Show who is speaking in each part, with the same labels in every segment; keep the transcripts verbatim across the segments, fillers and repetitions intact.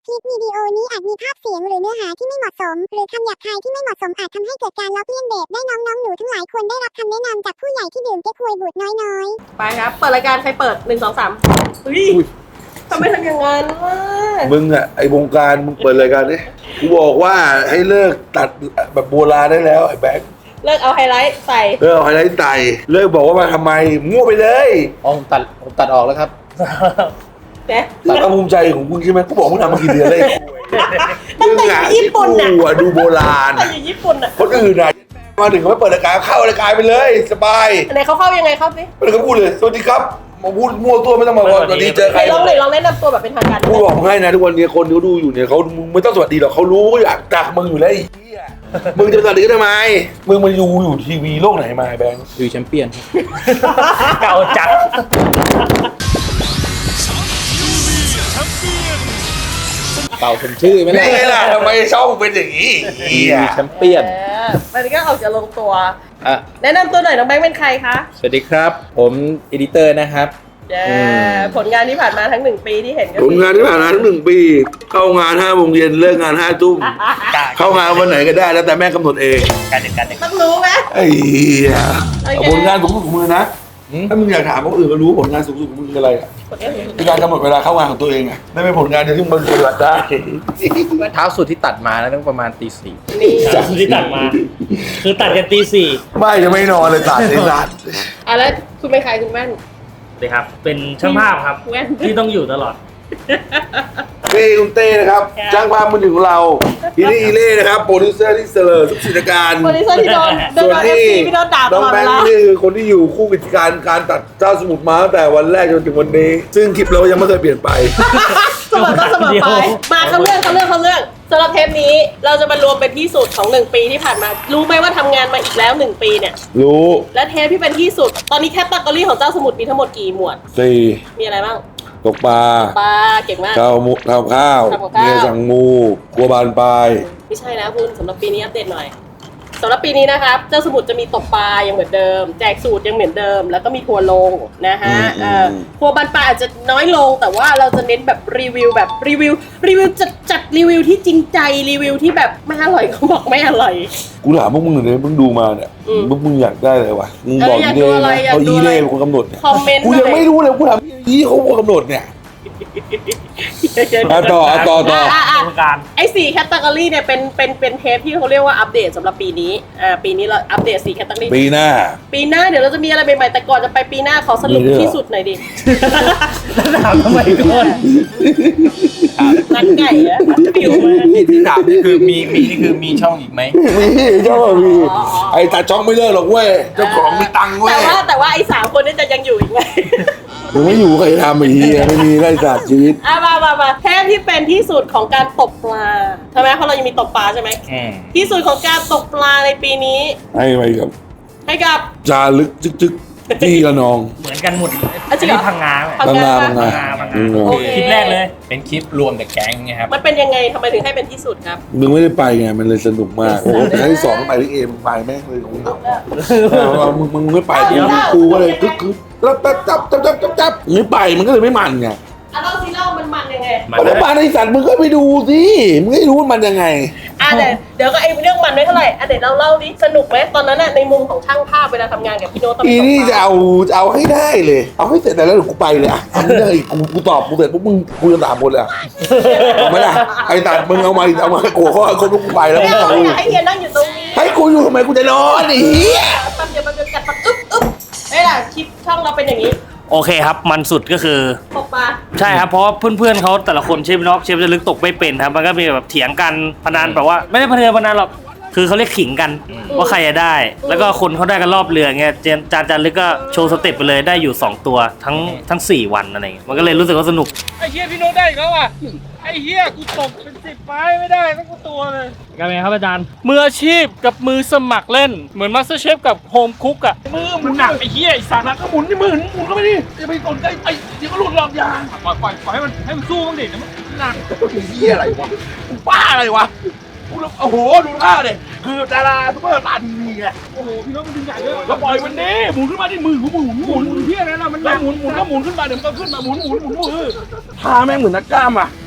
Speaker 1: คลิปวิดีโอนี้อาจมีภาพเสียงหรือเนื้อหาที่ไม่เหมาะสมหรือคำหยาบคายที่ไม่เหมาะสมอาจทำให้เกิดการล้อเลียนเด็กได้น้องๆหนูทั้งหลายควรได้รับคำแนะนำจากผู้ใหญ่ที่ดื่มเก๊กฮวยบูดน้อยๆ
Speaker 2: ไปครับเปิดรายการใครเปิดหนึ่งสองสามเฮ้ยทำไมทำอย่างนั้นวะ
Speaker 3: มึงอะไอวงการมึงเปิดรายการนี้กูบอกว่าให้เลิกตัดแบบโบราณได้แล้วไอ้แบงค์
Speaker 2: เลิกเอาไฮไลท์ใส่
Speaker 3: เลิกเอาไฮไลท์ใส่เลิกบอกว่ามาทำไมมั่วไปเลย
Speaker 4: อ๋อผมตัดผมตัดออกแล้วครับ
Speaker 2: เนี่ย
Speaker 3: ตัดความภูมิใจของมึงใช่ไหมกูบอกมึงทำมากี่เดือนเลย
Speaker 2: ตั้งแต่ญี่ปุ่นน่ะ
Speaker 3: กูอะดูโบราณ
Speaker 2: ตั้งแต่ญี่ปุ่นน่ะ
Speaker 3: คนอื่นอะมาถึงเขาไม่เปิดรายการเข้ารายการไปเลยสบาย
Speaker 2: ไหนเขาเข้ายังไงเข้าสิ
Speaker 3: ไม่ได้เขาพูดเลยสวัสดีครับมาพูดมั่วตัวไม่ต้องมาสวัสดีเจอใคร
Speaker 2: ลองเลยลองแนะนำตัวแบบเป็นทางการ
Speaker 3: กูบอกให้นะทุกวันนี้คนที่ดูอยู่เนี่ยเขามึงไม่ต้องสวัสดีหรอกเขารู้อยากจากมึงอยู่แล้วไอ้เหี้ยมึงจะสวัสดีทำไมมึงมาอยู่อยู่ทีวีโลกไหนมาแบงค์
Speaker 4: ดูแชมเปี้ยน
Speaker 5: เก่าจัด
Speaker 4: เก่าสมชื่อไหมล่ะ
Speaker 3: นี่ล่ะทำไมช่องเป็นอย่างนี้
Speaker 4: แชมเปี้ยน
Speaker 2: มันก็ออกจะลงตัวแนะนำตัวหน่อยน้องแบงค์เป็นใครคะ
Speaker 4: สวัสดีครับผมเอดิเตอร์นะครับ
Speaker 2: ผลงานที่ผ่านมาทั้งหนึ่งปีที่เห็น
Speaker 3: ผลงานที่ผ่านมาทั้งหนึ่งปีเข้างานห้าโมงเย็นเลิกงานห้าทุ่มเข้างานวันไหนก็ได้แล้วแต่แม่กำหนดเอง
Speaker 5: การเด็กการเด็ก
Speaker 2: ต้องรู้ไหม
Speaker 3: ไอ้เหี้ยผลงานสูงสุดของมึงนะถ้ามึงอยากถามคนอื่นก็รู้ผลงานสูงสุดของมึงคืออะไรอ่ะคือการกำหนดเวลาเข้างานของตัวเองอ่ะไม่เป็นผลงานเดียวที่มึงปฏิบัติได้
Speaker 4: เท้าสุดที่ตัดมาแล้วต้องประมาณตีสี่
Speaker 5: เท้าสุดที่ตัดมาคือตัดกันตีสี่
Speaker 3: ไม่จะไม่นอนเลยตัดเลยตัด
Speaker 2: อ่ะแล้วคุณเป็นใครคุณแม่น
Speaker 5: เลยครับเป็นช่างภาพครับที่ต้องอยู่ตลอด
Speaker 3: เต้คุณเต้นะครับจ้างภาพมือหนึ่งของเราอีนี่อีเล่นะครับโปรดิวเซอร์ที่เสลอทุกกิจการ
Speaker 2: โปรดิวเซอร์ที่โดนโดนเอฟซีพี่โดนด่าตลอดเวลา
Speaker 3: นี่คือคนที่อยู่คู่กิจการการตัดเจ้าสมุทรมาตั้งแต่วันแรกจนถึงวันนี้ซึ่งคลิปเรายังไม่เคยเปลี่ยนไป
Speaker 2: เสมอก็เสมอไปมาเขาเรื่องเขาเรื่องเขาเรื่องสำหรับเทปนี้เราจะมารวมเป็นที่สุดของหนึ่งปีที่ผ่านมารู้ไหมว่าทำงานมาอีกแล้วหนึ่งปีเนี่ย
Speaker 3: รู้
Speaker 2: และเทปที่เป็นที่สุดตอนนี้แคตตากรีของเจ้าสมุทรมีทั้งหมดกี่หมวด
Speaker 3: สี่
Speaker 2: มีอะไรบ้าง
Speaker 3: ตกปลา
Speaker 2: ปลาเก่งมาก
Speaker 3: ข้าวมุกข้าวข้าวเมียสั่งงูกลัวบานปลาย
Speaker 2: ไม่ใช่นะคุณสำหรับปีนี้อัปเดตหน่อยสำหรับปีนี้นะครับเจ้าสมุทรจะมีตกปลายังเหมือนเดิมแจกสูตรยังเหมือนเดิมแล้วก็มีทัวร์ลงนะฮะทัวร์บานปลาอาจจะน้อยลงแต่ว่าเราจะเน้นแบบรีวิวแบบรีวิวรีวิวจัดจัดรีวิวที่จริงใจรีวิวที่แบบไม่อร่อยเขาบอกไม่อร่อย
Speaker 3: กูถามพวกมึงเลยมึงดูมาเนี่ยพวกมึงอยากได้อะไรวะมึงบอกอีเล่นะเขาอีเล่เป็นคนกำหนดเนี่ยกูยังไม่รู้เลยกูถามอีเขาคนกำหนดเนี่ยต่อต่อต่อ
Speaker 2: ไอ้สี่แคตตากรีเนี่ยเป็นเป็นเป็นเทปที่เขาเรียกว่าอัปเดตสำหรับปีนี้อ่าปีนี้เราอัปเดตสี่แคตตากรี
Speaker 3: ปีหน้า
Speaker 2: ปีหน้าเดี๋ยวเราจะมีอะไรใหม่ๆแต่ก่อนจะไปปีหน้าขอสรุปที่สุดหน่อยดิ
Speaker 5: ถามทำไมก่อน
Speaker 2: นักไก่อะฟิว
Speaker 4: ที่ถามนี่คือมีมีนี่คือมีช่องอีกไหม
Speaker 3: มีช่องมีไอ้ตาช่องไม่เลิกหรอกเว้ยเจ้าของมีตังค์เว้ย
Speaker 2: แต่ว่าแต่ว่าไอ้สามคนนี่จะยังอยู่อีกไหม
Speaker 3: ยังไม่อยู่ใครทำไอ้เหี้ยไม่มีไร้ศาสตร์ชีวิต
Speaker 2: อ่ะมามามาแทบที่เป็นที่สุดของการตกปลาใช่ไหมเพราะเรายังมีตกปลาใช่ไหมที่สุดของการตกปลาในปีนี้
Speaker 3: ให้ไปกับ
Speaker 2: ให้กับ
Speaker 3: จารึกจึ๊กจึ๊กที่ละนอง
Speaker 5: เหมือนกันหมดอันนี้พังงา
Speaker 3: พังงาพังงา
Speaker 5: คลิปแรกเลย
Speaker 4: เป็นคลิปรวมแต่แก๊งไงครับ
Speaker 2: มันเป็นยังไงทำไมถึงให้เป็นที่สุดครับ
Speaker 3: มึงไม่ได้ไปไงมันเลยสนุกมากโอ้โหแต่ที่สองไปที่เอมึงไปแม่งเลยของเรามึงมึงไม่ไปกูก็เลยคึกคึกแล้วจับจับจับจับจับจับไม่ไปมันก็เลยไม่มันไง
Speaker 2: อ่ะเราซีเล่ามันมันยังไง
Speaker 3: มันมันไอ้สัตว์มึงก็ไปดูสิมึงไม่รู้มันยังไง
Speaker 2: อ่ะเดี๋ยวเดี๋ยวก็ไอ้เรื่องมันไม่เท่าไหร่อ่ะเดี๋ยวเราเล่าดิสนุกไหมตอนนั้นน่ะในมุมของช่างภาพเวลาทำงานกับพี่โน้ต
Speaker 3: อีนี่จะเอาจะเอาให้ได้เลยเอาให้เสร็จแต่แล้วกูไปเลยอ่ะทำไม่ได้กูกูตอบกูเสร็จปุ๊บมึงกูจะถามหมดเลยถูกไหมล่ะไอ้ตัดมึงเอามาเอามาโกรธเขาคนกูไปแล้ว
Speaker 2: ไม่เอาให้เฮียนั่งอยู่ตรงนี้
Speaker 3: ให้กูอยู่ทำไมกูจะนอนไอ้เหี้ย
Speaker 2: แป๊บเดียวมันจะกัดปัดอึ๊บอึ๊บเฮ้ยล่ะคลิปช่องเราเป็นอย่างนี้
Speaker 5: โอเคครับมันสุดก็คือ
Speaker 2: ตกปลา
Speaker 5: ใช่ครับเพราะว่าเพื่อนๆเขาแต่ละคนเชฟน็อกเชฟจะลึกตกไม่เป็นครับมันก็มีแบบเถียงกันพนันแบบว่าไม่ได้พนันพนันหรอกคือเขาเรียกขิงกันว่าใครจะได้แล้วก็คนเขาได้กันรอบเรือเงี้ยจานจานลึกก็โชว์สเต็ปไปเลยได้อยู่สองตัวทั้งทั้งสี่วันอะไรเงี้ยมันก็เลยรู้สึกว่าสนุก
Speaker 6: ไอ้เฮียพี่โน้ตได้เขาอ่ะไอ้เฮียกูตกเป็นสิบไม้ไม่ได้สักตัวเลย
Speaker 5: กันไงครับอาจารย์
Speaker 6: มืออาชีพกับมือสมัครเล่นเหมือนมาสเตอร์เชฟกับโฮมคุกอ่ะมือมันหนักไอ้เฮียไอ้สารก็หมุนที่มือหมุนก็ไม่ดีอย่าไปสนใจไอ้เดี๋ยวก็หลุดหลอกยางปล่อยปล่อยปล่อยให้มันให้มันสู้บ้างดิมันหนักไอ้เฮียอะไรวะบ้าอะไรวะโอ้โหดูท่าเลยคือดาราซุปเปอร์ตาดีไงโอ้โหพี่น้องมันดึงใหญ่เลยแล้วปล่อยมันดิหมุนขึ้นมาที่มือกูหมุนหมุนเพี้ยอะไรล่ะมันหมุนหมุนก็หมุนขึ้นมาเดี๋ยวมันก็ขึ้นมาหมุนหมุนหมุนมือท่าแม่งเหมือนนักกล้ามอ่ะ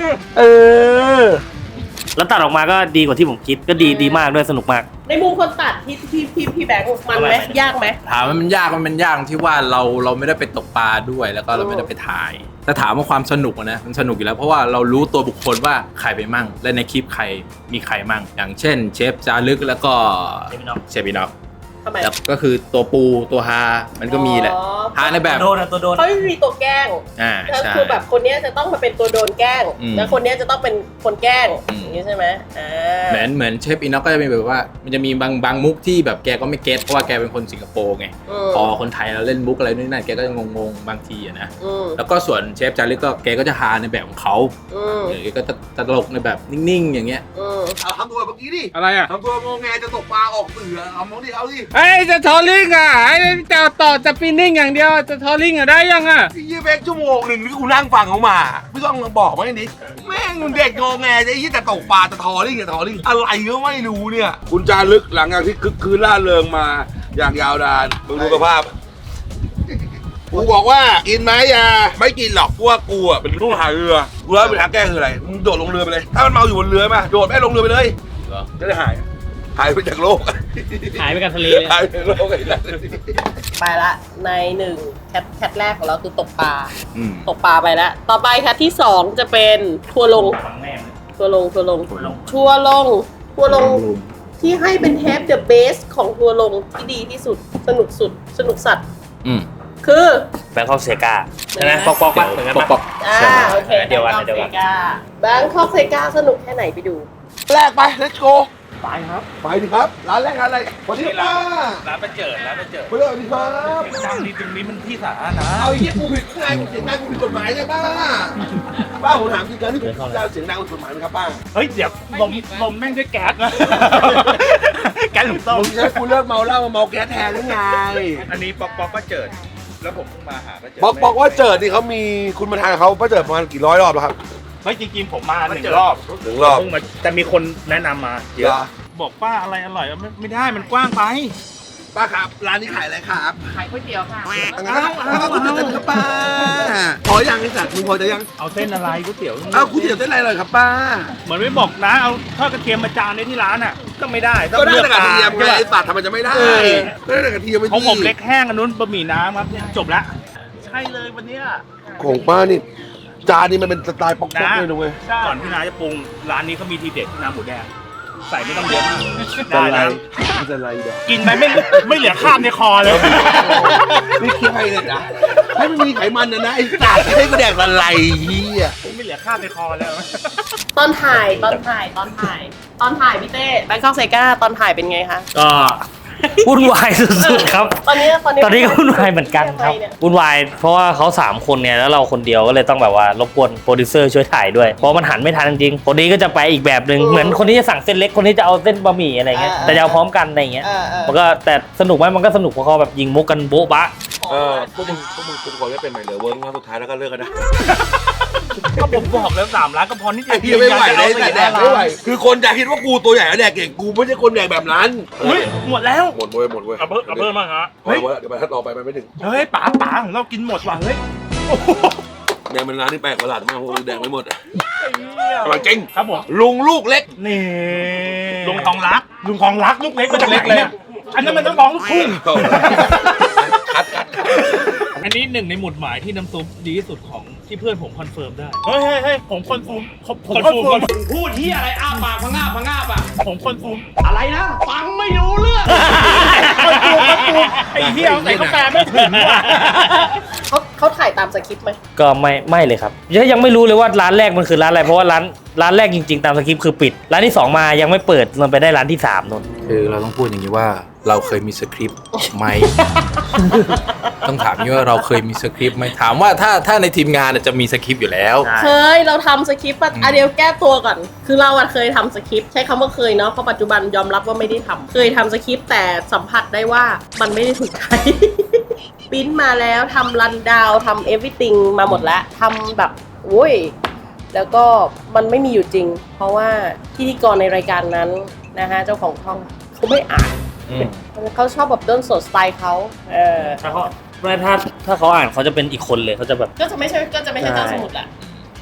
Speaker 6: เออ
Speaker 5: แล้วตัดออกมาก็ดีกว่าที่ผมคิดก็ดีดีมากด้วยสนุกมาก
Speaker 2: ในมุมคนตัดที่พี่พี่พี่แบงค์มันไหมยากไหม
Speaker 4: ถามว่ามันยากมันยากที่ว่าเราเราไม่ได้ไปตกปลาด้วยแล้วก็เราไม่ได้ไปถ่ายแต่ถามว่าความสนุกอะนะมันสนุกอยู่แล้วเพราะว่าเรารู้ตัวบุคคลว่าใครไปมั่งและในคลิปใครมีใครมั่งอย่างเช่นเชฟจารึกแล้วก็เชฟบินอก
Speaker 2: ทำไม
Speaker 4: แล้วก็คือตัวปูตัวฮามันก็มีแหละ
Speaker 2: อ๋อ
Speaker 4: ฮาในแบบ
Speaker 5: โดนนะตัวโดน
Speaker 2: เขาไม่มีตัวแกล้ง
Speaker 4: อ่า
Speaker 2: ก็
Speaker 4: ใช่
Speaker 2: คือแบบคนเนี้ยจะต้องมาเป็นตัวโดนแกล้ง
Speaker 4: อืม
Speaker 2: แล้วคนเนี้ยจะต้องเป็นคนแกล้ง
Speaker 4: อืม
Speaker 2: อย่างนี้ใช่ไหมอ่า
Speaker 4: เหมือนเหมือนเชฟอินน็อกก็จะมีแบบว่ามันจะมีบางบางมุกที่แบบแกก็ไม่เก็ตเพราะว่าแกเป็นคนสิงคโปร์ไง
Speaker 2: ม
Speaker 4: พอคนไทยเราเล่นมุกอะไรนู่นนั่นแกก็จะงงๆบางทีอะนะ
Speaker 2: อืม
Speaker 4: แล้วก็ส่วนเชฟจารึกก็แกก็จะฮาในแบบของเขา
Speaker 2: อืม
Speaker 4: เออแกก็จะตลกในแบบนิ่งๆอย่างเงี้ย
Speaker 2: อืม
Speaker 3: เอาทำตัวเมื่อกี้ดิ
Speaker 6: อะไรอ่ะ
Speaker 3: ทำตัวงงแงจะตกปลาออกสื่อเอามองดิเอาดิ
Speaker 6: ไอ้จะทอลลิ่งอ่ะไอ้จะต่อจะปีนิ่งอย่างเดียวจะทอลลิ่งอ่ะได้ยังอ่ะ
Speaker 3: ยี่เบกชั่วโมงหนึ่งที่กูนั่งฟังเขามาไม่ต้องมาบอกว่าอย่างนี้แม่งเด็กงงแงจะยี่แต่ตกปลาจะทอลิ่งจะทอลิ่งอะไรก็ไม่รู้เนี่ยคุณจารึกหลังจากที่คึกคืนล่าเริงมาอย่างยาวนานมึงดูสภาพกูบอกว่ากินไหมยาไม่กินหรอกเพราะว่ากูอ่ะเป็นลูกหาเรือกูรู้เป็นทางแก้คืออะไรมึงโดดลงเรือไปเลยถ้ามันเมาอยู่บนเรือมาโดดแม่ลงเรือไปเลยจะได้หายหายไปจากโลก
Speaker 5: หายไปกับทะเลเลย
Speaker 3: หายไปจากโลกไอ้นั่น
Speaker 2: ไปละในหนึ่งแคทแคทแรกของเราคือตกปลา
Speaker 4: อืม
Speaker 2: ตกปลาไปแล้วต่อไปแคทที่สองจะเป็นทัวร์ลง
Speaker 5: ฝังแม่ง
Speaker 2: ทัวร์ลงทัวร์ลง
Speaker 5: ทัวร์ลง
Speaker 2: ทัวร์ลงทัวร์ลงที่ให้เป็นเทปเดอะเบสของทัวร์ลงที่ดีที่สุดสนุกสุดสนุกสัตว์
Speaker 4: อืม
Speaker 2: คือ
Speaker 5: แบงคอกเซกาใช่ไหมปอกปอกปะเหมือนกัน
Speaker 4: ป
Speaker 5: ปะ
Speaker 4: อกปอก
Speaker 2: อ่าโอเค
Speaker 5: เดียวกันเดียวกัน
Speaker 2: แบงคอกเซกาสนุกแค่ไหนไปดู
Speaker 3: แรกไป let's go ไปครับ ไปดิครับ ร้านแรกร้านอะไรสวัสดีครับ
Speaker 6: ร้านไปเจิดร้านไปเจิด
Speaker 3: สวัสดีครับ
Speaker 6: จังดีตรงนี้มันที่สาธารณะ
Speaker 3: เอาไอ้เหี้ยกูผิดไงกูเสียงดังกูผิดกฎหมายไงป้าป้าผมถามจริงๆที่ผมพูดจาเสียงดังผิดกฎหมายไหมครับป้า
Speaker 6: เฮ้ยเดี๋ยวลมลมแม่งด้วยแก๊สนะ แก๊สถุงต้ม
Speaker 3: มึงจะให้กูเลิกเมาเหล้ามาเมาแก๊สแทนหรือไง
Speaker 6: อันนี้ป๊อกป๊อกก็เจิดแล้วผมเพิ่งมาหาก็เจิด
Speaker 3: บอกบอกว่าเจิดนี่เขามีคุณมาทานเขาป้าเจิดประมาณกี่ร้อยรอบแล้วครับ
Speaker 6: เฮ้ยจริงๆผมมาหนึ่งรอบ
Speaker 3: หนึ่งรอบ
Speaker 6: เพิ่งมาแต่มีคนแนะนำมาเย
Speaker 3: เหร
Speaker 6: อะ
Speaker 3: อ
Speaker 6: บอกป้าอะไรอร่อยไม่ไม่ได้มันกว้างไป
Speaker 3: ป้าครับ ร้านนี้ขายอะไรครับ
Speaker 2: ขายก๋วยเตี๋ยวค่ะ
Speaker 3: งั้นก็ก๋วยเตี๋ยวเต้นครับป้าพอยังไอ้สัตว์มึงพอจะยัง
Speaker 6: เอาเส้นอะไรก๋วยเตี๋ยว
Speaker 3: เอาก๋วยเตี๋ยวเต้นอะไรเลยครับป้า
Speaker 6: เหมือนไม่บอกนะเอาทอดกระเทียมมาจานในที่ร้านอ่ะก็ไม่ได้ต้อง
Speaker 3: ก็ได้
Speaker 6: เลือก
Speaker 3: แต่กระเทียมไง
Speaker 6: ใช่ปะ
Speaker 3: ไอ้สัตว์ทำไมจะไม่ได้
Speaker 6: เออ
Speaker 3: ก็ได้แต่กระเทียมไม่
Speaker 6: ของ
Speaker 3: ดี
Speaker 6: ผมเล็กแห้งอันนู้นบะหมี่น้ำครับจบละใช่เลยวันเนี้ย
Speaker 3: ของป้านี่จานนี้มันเป็นสไตล์ป๊อก
Speaker 6: นะ
Speaker 3: ๆเลยนะเว้ย
Speaker 6: ก่อนที่น้าจะปรุงร้านนี้เขามีทีเด็ดที่น้ำหมูแดงใส่ไม่ต้องเยอะมาก
Speaker 3: จะ
Speaker 6: ได้
Speaker 3: ไร
Speaker 6: นะ
Speaker 3: จะไรเดี๋ยว
Speaker 6: กินไปไม่ไม่เหลือคราบในคอเลย
Speaker 3: นี่คิดให้เลยนะให้มันมีไขมันนะนะไอ้สัตว์ให้กูแดกอะไรเฮีย
Speaker 6: ไม่เหลือคราบในคอแล้ว
Speaker 2: ตอนถ่ายตอนถ่ายตอนถ่าย ตอนถ่ายพี่เต้แบงคอกเซกาตอนถ่ายเป็นไงคะ
Speaker 5: ก็วุ่นวายสุดๆครับ
Speaker 2: ตอนนี้ตอนนี้
Speaker 5: ตอนนี้ก็วุ่นวายเหมือนกันครับวุ่นวายเพราะว่าเขาสามคนเนี่ยแล้วเราคนเดียวก็เลยต้องแบบว่ารบกวนโปรดิวเซอร์ช่วยถ่ายด้วยเพราะมันหันไม่ทันจริงๆคนนี้ก็จะไปอีกแบบหนึ่งเหมือนคนนี้จะสั่งเส้นเล็กคนนี้จะเอาเส้นบะหมี่อะไรเงี้ยแต่จะเอาพร้อมกันอะไรเงี้ย
Speaker 2: เออเออ
Speaker 5: มันก็แต่สนุกไหมมันก็สนุกเพราะเขาแบบยิงมุกกันโบ๊ะบะ
Speaker 3: เออพวกมึงพวกมึงกูขอไม่เป็นใหม่เหลือเวิร์กว่าสุดท้ายแล้วก็เลิกกันนะ
Speaker 6: ก็ผมบอกแล้วสามล้านก็พอนิดเดี
Speaker 3: ไอ้
Speaker 6: ยว
Speaker 3: เฮียไม่ไหวเลยแต่แดกไม่ไหวคือคนจะคิดว่ากูตัวใหญ่แล้วแดกเก่งกูไม่ใช่คนแดกแบบนั้น
Speaker 6: อุ้ยหมดแล้ว
Speaker 3: หมดเว้ยหมดเว้ย
Speaker 6: เอาเพิ่มเอาเพิ่มมาฮะ
Speaker 3: พอแล้วเดี๋ยวไปถ้าต่อไปมันไม่ถึง
Speaker 6: เฮ้ยป๋าป๋าของเรากินหมดว่ะเฮ้ยโอ้โห
Speaker 3: แดงเป็นร้านที่แปลกประหลาดมากพวกมึงแดกไม่หมดอะ
Speaker 6: ไอ้เหี้ย
Speaker 3: อร่อยจริง
Speaker 6: ครับผม
Speaker 3: ลุงลูกเล็ก
Speaker 6: นี่ลุงทองรักลุงทองรักลูกเล็กมาจากไหนเนี่ยอันนั้นมันต้องร้องลูกทุ่ง
Speaker 3: คัดคัด
Speaker 6: อันนี้หนึ่งในหมุดหมายที่น้ำซุปดีที่สุดของที่เพื่อนผมคอนเฟิร์มได้ เฮ้ยเฮ้ยเฮ้ยผมคอนเฟิร์มผมคอนเฟิร์มพูดที่อะไรอ้าปากพังงาพังงาปะผมคอนเฟิร์มอะไรนะ ฟังไม่รู้เรื่องคอนเฟิร์มคอนเฟิร์มไอ้เหี้ยใส่กาแฟไม่ถึงว่ะ
Speaker 2: เขาเขาถ่ายตามสคริปต์ไหม
Speaker 5: ก็ไม่ไม่เลยครับยังยังไม่รู้เลยว่าร้านแรกมันคือร้านอะไรเพราะว่าร้านร้านแรกจริงๆตามสคริปต์คือปิดร้านที่สองมายังไม่เปิดมันไปได้ร้านที่สามนน
Speaker 4: คือเราต้องพูดอย่างนี้ว่าเราเคยมีสคริปต์ไหม ต้องถามนี้ว่าเราเคยมีสคริปต์ไหมถามว่าถ้าถ้าในทีมงานจะมีสคริปต์อยู่แล้ว
Speaker 2: เคยเราทำสคริปต์อะอ่ะเดี๋ยวแก้ตัวก่อน คือเราอะเคยทำสคริปต์ใช้คำว่าเคยเนาะเพราะปัจจุบันยอมรับว่าไม่ได้ทำเคยทำสคริปต์แต่สัมผัสได้ว่ามันไม่ได้ถูกใจ ปริ้นมาแล้วทำรันดาวทำเอฟวิติงมาหมดแล้วทำแบบโว้ยแล้วก็มันไม่มีอยู่จริง เพราะว่าพิธีกรในรายการนั้นนะฮะเจ้าของช่องเขาไม่อ่านเขาชอบแบบเดินสดสไตล์เขาเออ
Speaker 5: ถ้าเขาไม่ถ้าถ้าเขาอ่านเขาจะเป็นอีกคนเลยเขาจะแบบ
Speaker 2: ก็จะไม่ใช่ก็จะไม่ใช่เจ้าสมุดแหละ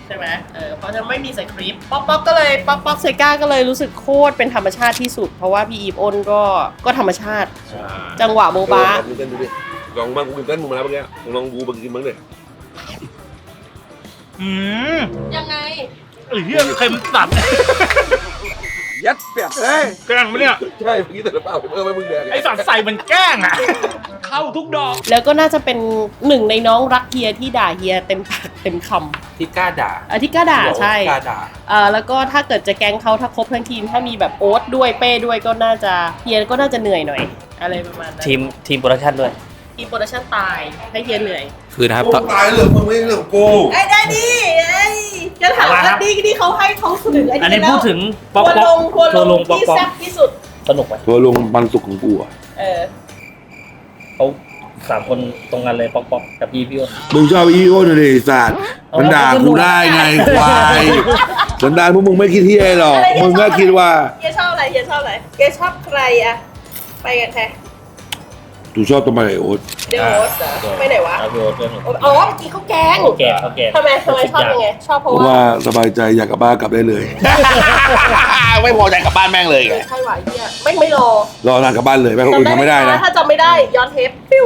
Speaker 2: ใช่ไหมเออเพราะฉะนั้นไม่มีใส่คลิปป๊อกป๊อกก็เลยป๊อกป๊อกเซก้าก็เลยรู้สึกโคตรเป็นธรรมชาติที่สุดเพราะว่าพี่อีฟอ้นก็ก็ธรรมชาติ จังหวะโมบะ
Speaker 3: ลองเต้นดูดิลองบ้างกูกินเต้นมึงมาแล้วเมื่อกี้ลองกูมากินบ้างดิ
Speaker 6: อืม
Speaker 2: ยังไง
Speaker 6: ไอ้เหี้ยเค็มสัตว์
Speaker 3: ยัดเปียกเฮ้ย
Speaker 6: แกล้งไหมเนี่ย
Speaker 3: ใช่เมื่อกี้แต่ละเปล่าเพิ่มให้มึงแดง
Speaker 6: ไอ้สัตว์ใส่มันแกล้งอ่ะ เข้าทุกดอก
Speaker 2: แล้วก็น่าจะเป็นหนึ่งในน้องรักเฮียที่ด่าเฮียเต็มปากเต็มค
Speaker 4: ที่กล้าด่า
Speaker 2: ำอาที่กล้าด่าใช่
Speaker 4: กล้าด่า
Speaker 2: เออแล้วก็ถ้าเกิดจะแก๊งเขาถ้าครบทั้งทีมถ้ามีแบบโอ๊ตด้วยเป้ด้วยก็น่าจะเฮียก็น่าจะเหนื่อยหน่อย อะไรประมาณนั้น
Speaker 5: ทีมทีมโปรดักชั่นด้วย
Speaker 2: ทีมโปรดักชั่นตายให้เฮียเหนื่อย
Speaker 4: คือนะครับ
Speaker 3: กูตายเรื่องมึงไม่เรื่องกู
Speaker 2: ไอ้ได้ดิไอ้จะถามว่าดีที่เขาให้เขาถึงไอ้
Speaker 5: อันนี้
Speaker 2: แล้ว
Speaker 5: พูดถึงป๊อก
Speaker 2: ทัว
Speaker 5: ป๊
Speaker 2: ล
Speaker 5: อก
Speaker 2: งทัว
Speaker 5: ทัว
Speaker 2: ล
Speaker 5: ล
Speaker 2: ง
Speaker 5: งป๊อก
Speaker 2: ที่
Speaker 5: ป๊อก
Speaker 2: แซ่บที่สุด
Speaker 5: สนุกไหม
Speaker 3: ทัวลงปันสุกของกูอ่ะ
Speaker 2: เออ
Speaker 5: เขาสามคนตรงกันเลยป๊อกป๊อกกับพี่พี่อ้น
Speaker 3: มึงชอบอีโอ้นเลยสัตว์มันด่ากูได้ไงควายสันดานพวกมึงไม่คิดที่ไอ้หรอกมึงก็คิดว่า
Speaker 2: เฮียชอบอะไรเฮียชอบอะไรเฮียชอบใครอะไปกันแค่
Speaker 3: กูชอบตัวมาไอโอ๊ต
Speaker 2: เดี๋ยวโอ๊ตเหรอไปไหนวะ
Speaker 5: เอาพี่โอ๊ตด้วยหนู
Speaker 2: อ๋อเมื่อกี้เขาแกง
Speaker 5: เขาแก่เขาแก่
Speaker 2: ทำไมทำไมชอบยังไงชอบเพ
Speaker 3: เพ
Speaker 2: ราะ
Speaker 3: ราะ
Speaker 2: ว่า
Speaker 3: ว่าสบายใจอยากกลับบ้านกลับได้เลย ไม่พอใจกลับบ้านแม่งเลยไง
Speaker 2: ใช่หวะเฮียไม่ไม่รอ
Speaker 3: รอนานกลับบ้านเลยแม่งคนอื่นทำไม่ได้นะ
Speaker 2: ถ้าจำไม่ได้ย้อนเทปปิ้ว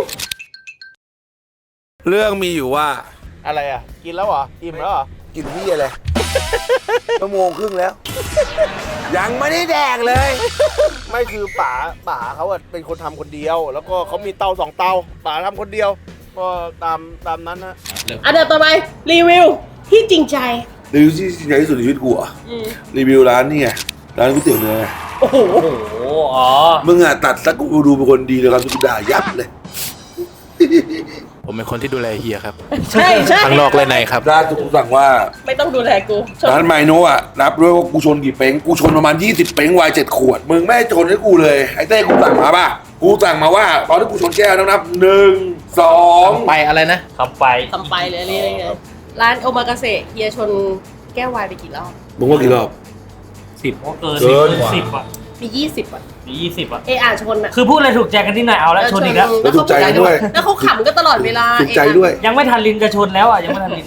Speaker 3: เรื่องมีอยู่ว่า
Speaker 6: อะไรอ่ะ กินแล้วเหรอ อิ่มแล้วเหรอ
Speaker 3: กินที่อะไรชั่วโมงครึ่งแล้ว ยังไม่ได้แดกเลย
Speaker 6: ไม่คือป๋าป๋าเขาอะเป็นคนทำคนเดียว แล้วก็เขามีเตาสองเตาป๋าทำคนเดียว ก็ตามตามนั้นนะ
Speaker 2: อ่ะเดี๋ยวต่อไปรีวิวที่จริงใจ
Speaker 3: รีวิวที่ใหญ่ที่สุดในชีวิตกูอ่ะ
Speaker 2: อืม
Speaker 3: รีวิวร้านนี่ไงร้านก๋วยเตี๋ยวเนื้อ
Speaker 2: โอ้โห
Speaker 5: โอ้โหอ๋อ
Speaker 3: มึงอ่ะตัดสักกูดูเป็นคนดีเลยครับทุกด่ายับเลย
Speaker 4: ผมเป็นคนที่ดูแลเฮียครับ
Speaker 2: ใช่ใช่
Speaker 4: ทั้งนอกและในครับ
Speaker 3: ร้านกูสั่งว่า
Speaker 2: ไม่ต้องดูแลกูช
Speaker 3: ร้านไมโนะอ่ะนับด้วยว่ากูชนกี่เป้งกูชนประมาณยี่สิบเป้งวายเจ็ดขวดมึงไม่ชนให้กูเลยไอ้เต้กูสั่งมาป่ะกูสั่งมาว่าตอนที่กูชนแก้วต้องนับหนึ่งสอง
Speaker 4: ไปอะไรนะ
Speaker 5: ทำไป
Speaker 2: ทำไปเลยนี่ไงร้านโอมากาเสะเฮียชนแก้ววายไปกี่รอบ
Speaker 3: มึงว่ากี่รอบ
Speaker 5: สิบเกิน
Speaker 3: เกิน
Speaker 5: สิบอ่ะ
Speaker 2: มียี่สิบอ่ะ
Speaker 5: มียี่สิบอ่ะ
Speaker 2: เออ่านชนอ่ะ
Speaker 5: คือพูดอะไรถูกใจกันที่ไหนเอาแล้วชนอีกแล้ว
Speaker 3: แล้วถูกใจด้วย
Speaker 2: แล้วเขาขำกันตลอดเวลา
Speaker 3: ถูกใจด้วย
Speaker 5: ยังไม่ทันลินกระชนแล้วอ่ะ ยังไม่ทันลิน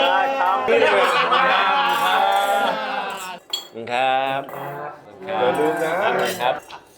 Speaker 4: ครับ
Speaker 3: อย่าลืมนะครับ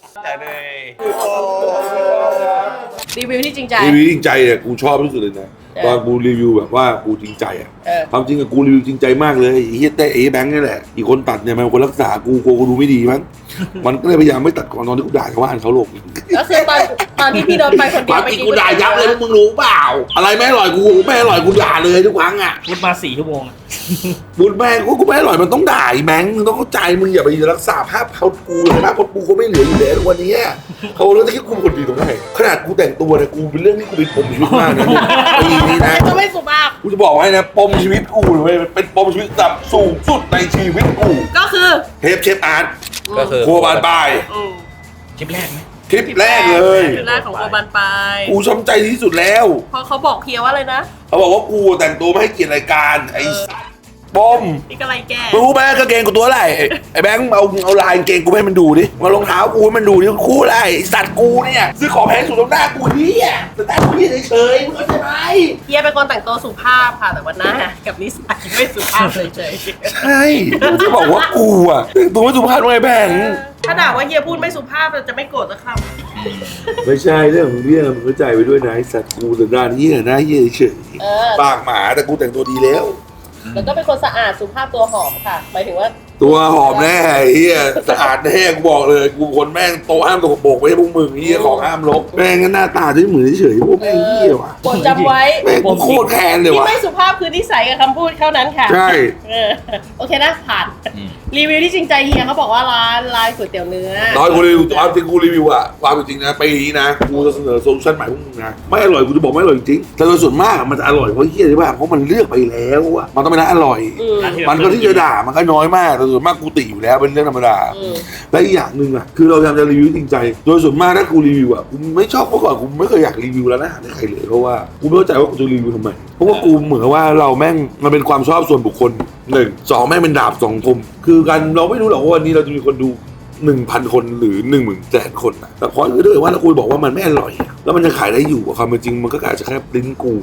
Speaker 2: รีวิวที่จริงใจ
Speaker 3: รีวิวจริงใจอ่ะกูชอบที่สุดเลยนะ
Speaker 2: เออ
Speaker 3: ตอนกูรีวิวแบบว่ากูจริงใจอ่ะ
Speaker 2: เออ
Speaker 3: ความจริงอะกูรีวิวจริงใจมากเลยไอ้เฮียเต้ไอ้แบงค์นี่แหละอีกคนตัดเนี่ยมันเป็นคนรักษากูกลัวกูดูไม่ดีมั้ง มันก็เลยพยายามไม่ตัดก่อนตอนที่กูด่าชาวบ้านเขาหลบ
Speaker 2: ก็คือตอนตอนที่พี่โดนไปคน
Speaker 3: ค
Speaker 2: เดียว
Speaker 3: วาม
Speaker 2: ไป
Speaker 3: จริง
Speaker 2: กิน
Speaker 3: กูด่ายับเลยพวกมึงรู้เปล่า อะไรไม่อร่อยกูไม่อร่อยกูด่าเลยทุกครั้งอ่ะ
Speaker 5: พูดมาสี่ชั่วโมงอะ
Speaker 3: บุญแม่งกูไม่อร่อยมันต้องด่าไอ้แบงค์มึงต้องเข้าใจมึงอย่าไปรักษาภาพเขากูเลยภาพกูเขาไม่เหลืออยู่แล้วทุกวันนี้เขาเรื่องที่กูเป็นคนดีตรงไหนขนาดกูแต่งตัวเนี่ยกูเป็นเรื่องที่กูเป็นปมชีวิตมากนะปีนี้นะ
Speaker 2: จะไม่สุภาพ
Speaker 3: กูจะบอกไว้นะปมชีวิตกูเลยเป็นปมชีวิตระดับสูงสุดในชีวิตกู
Speaker 2: ก็คือ
Speaker 3: เทปเชฟอาร์ต
Speaker 4: ก็คือ
Speaker 3: ครัวบานปลาย
Speaker 2: อืม
Speaker 4: คลิปแรกไหม
Speaker 3: คลิปแรกเลย
Speaker 2: คลิปแรกของโอบันปาย
Speaker 3: กูช้ำใจที่สุดแล้ว
Speaker 2: เพราะเขาบอกเพียว่าอะไรนะ
Speaker 3: เขาบอกว่ากูแต่งตัวไม่ให้เกียรติรายการไอ้ปม
Speaker 2: นี่ก็ไรแก
Speaker 3: รู้ไหมกางเกงกูตัวอะไรไอ้ไอ้แบงค์เอาเอาลายกางเกงกูให้มันดูดิมารองเท้ากูให้มันดูดิคู่อะไรไอ้สัตว์กูเนี่ยซื้อของแพงสุดตรงหน้ากูเฮียแต่แต่กูเฮียเฉยๆมึงเข้าใจไหม
Speaker 2: เฮียเป็นคนแต่งตัวสุภาพค่ะ แต่ว่าหน้ากับนิสัยไม่สุภาพเลยเฉย
Speaker 3: ใช่กูจะบอกว่ากูอะแต่งตัวไม่สุภาพไงแบงค์
Speaker 2: ถ้าด่าว่าเฮียพูดไม่สุภาพเราจะไม่โกรธสักค
Speaker 3: ไม่ใช่เรื่องของเรื่องมึงเข้าใจไปด้วยนะไอ้สัตว์กูสันดานเฮียหน้าเฮียเฉย
Speaker 2: ำเออ
Speaker 3: ปากหมาแต่กูแต่งตัวดีแล้ว
Speaker 2: แล้วก็เป็นคนสะอาดสุภาพตัวหอมค่ะหมายถึงว่า
Speaker 3: ตัวหอมแน่ไอ้เฮียสะอาดแน่กูบอกเลยกูคนแม่งโตห้ามตัวโบกไม่ใช่พวกมึงเฮียของห้ามลบแม่งก็หน้าตาด้วยเหมือนเฉยๆพวกแม่งเฮียว่ะ
Speaker 2: โปรดจำไว้
Speaker 3: แม่งกูโคตรแค้นเลย
Speaker 2: ที่
Speaker 3: ว่ะ
Speaker 2: ไม่สุภาพคือนิสัยกับคำพูดเท่านั้นค่ะ
Speaker 3: ใช่
Speaker 2: เออโอเคนะผ่านรีวิวที่จริงใจเฮียเขาบอกว่าร้านร้านก๋วยเตี๋ยวเนื้อ
Speaker 3: ตอนกูรีวิวตอนที่กูรีวิวอะความเป็นจริงนะปีนี้นะกูจะเสนอโซลูชันใหม่พวกมึงนะไม่อร่อยกูจะบอกไม่อร่อยจริงแต่โดยส่วนมากอะมันจะอร่อยเพราะเฮียใช่ป่ะเพราะมันเลือกไปแล้วอะมันต้องเป็นร้านอร่อย
Speaker 2: อืม
Speaker 3: มันก็ที่จะด่ามันก็น้อยมากแต่ส่วนมากกูติอยู่แล้วเป็นเรื่องธรรมดา
Speaker 2: อืม
Speaker 3: และอีกอย่างหนึ่งอ่ะคือเราพยายามจะรีวิวจริงใจ โดยส่วนมากถ้ากูรีวิวอ่ะกูไม่ชอบเมื่อก่อนกูไม่เคยอยากรีวิวร้านอาหารให้ใครเลยเพราะว่ากูไม่เข้าใจว่ากูจะรีวิวทำไมเพราะว่ากูเหมือนว่าเราแม่งมันเป็นความชอบส่วนบุคคลหนึ่งสองแม่งเป็นดาบสองคมคือการเราไม่รู้หรอกว่าวันนี้เราจะมีคนดูหนึ่งพันคนหรือหนึ่งหมื่นแสนคนนะแต่พอคือถ้าเกิดว่าเราคุยบอกว่ามันไม่อร่อยอะแล้วมันจะขายได้อยู่อะความเป็นจริงมันก็อาจจะแค่ลิ้นกูอะ